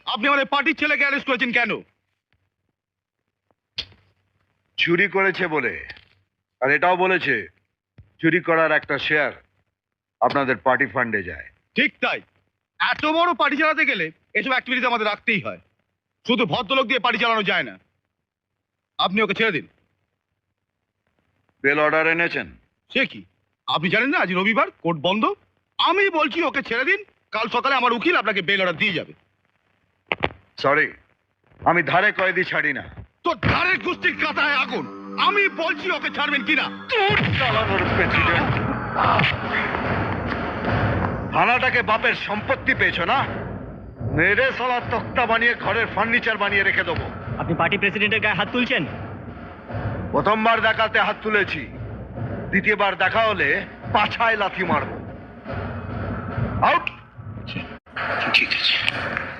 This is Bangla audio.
আপনি আমাদের পার্টির ছেলেকে অ্যারেস্ট করেছেন কেন? চুরি করেছে বলে, আর এটাও বলেছে চুরি করার একটা শেয়ার আপনাদের পার্টি ফান্ডে যায়। ঠিক তাই, এত বড় পার্টি চালাতে গেলে এসব অ্যাক্টিভিটিস আমাদের রাখতেই হয়। শুধু ভদ্রলোক দিয়ে পার্টি চালানো যায় না। আপনি ওকে ছেড়ে দিন। বেল অর্ডার এনেছেন? সে কি, আপনি জানেন না আজ রবিবার, কোর্ট বন্ধ? আমি বলছি ওকে ছেড়ে দিন, কাল সকালে আমার উকিল আপনাকে বেল অর্ডার দিয়ে যাবে। সরি, আমি ধারে কয়েদি ছাড়ি না। তো ধারের কুস্তির কাঁথায় আগুন। আমি বলছি ওকে ছাড়বেন কিনা। প্রেসিডেন্ট, থানাটাকে বাপের সম্পত্তি পেয়েছো না? মেরে সালা তক্তা বানিয়ে ঘরের ফার্নিচার বানিয়ে রেখে দেবো। আপনি পার্টি প্রেসিডেন্টের গায়ে হাত তুলছেন? প্রথমবার দেখাতে হাত তুলেছি, দ্বিতীয়বার দেখা হলে পাছায় লাথি মারবো। আউট। ঠিক আছে।